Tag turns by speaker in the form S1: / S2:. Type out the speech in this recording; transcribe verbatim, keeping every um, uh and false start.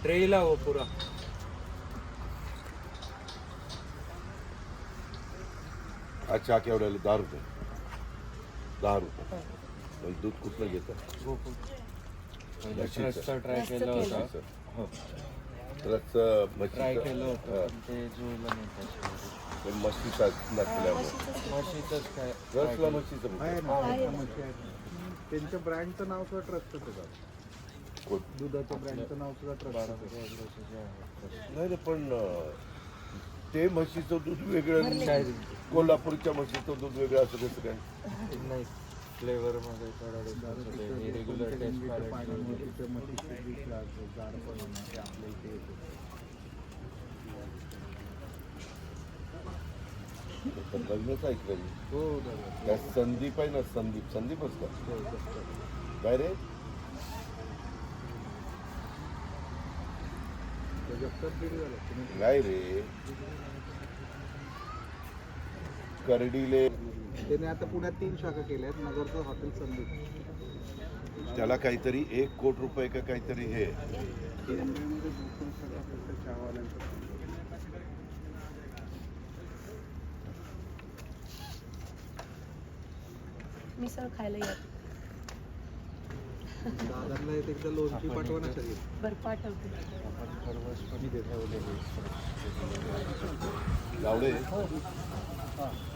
S1: ट्रेला हो पूरा.
S2: अच्छा केवढ्याला दहा रुपये दहा रुपये म्हणजे दूध कुठलं घेतं
S1: गोकुळ.
S2: म्हशीचं.
S1: रस्ता ट्राय केलं होतं.
S2: म्हशीचं.
S1: हो
S2: रसचं
S1: ट्राय
S2: म्हशीचं
S1: केलं होतं
S2: हां.
S1: पण ते जुळलं नाही त्याच्यामध्ये.
S2: पण म्हशीचा नसल्यामुळे
S1: म्हशीचंच काय
S2: रसला म्हशीचं
S3: आहे
S2: म्हणतात.
S3: ना, आहे म्हशी आहेत. त्यांच्या ब्रँडचं नाव सुद्धा ट्रस्टच आहे.
S2: कोण?
S3: दुधाचं ब्रँडचं नाव सुद्धा ट्रस्ट
S1: बारामती ॲग्रोचे जे आहेत.
S2: नाही रे पण अं, ते म्हशीचं दूध वेगळं
S1: काय
S2: कोल्हापूरच्या म्हशीचं दूध वेगळं असं कसं काय
S1: नाही फ्लेवरमध्ये थोडा डिफरन्स होतो. हे रेग्युलर टेस्ट
S3: पाण्यामुळे
S1: पॅलेट.
S3: तिथे म्हशीचे दूध लागतं, जाड पण होणार ते आपल्या इथे येतं.
S2: तर लग्नच ऐकलं मी.
S3: हो दादा.
S2: त्या संदीप आहे ना संदीप संदीपच का
S3: हो, तसं.
S2: काय रे
S3: जगतात दीड झालं तुम्ही.
S2: नाही रे करडीले
S3: त्याने आता पुण्यात तीन शाखा केल्या आहेत. नगरचं हॉटेल संदीप.
S2: त्याला काहीतरी एक कोट रुपये का काहीतरी हे
S3: मुंबईमध्ये भरपूर शाखा फक्त चहावाल्यांचं.
S4: मिसळ खायला या.
S3: दादांना एक एकदा लोणची पाठवा ना सगळी.
S4: बरं पाठवते.
S1: आपण खरवस पण ठेवलेली.
S2: गावडे
S3: हां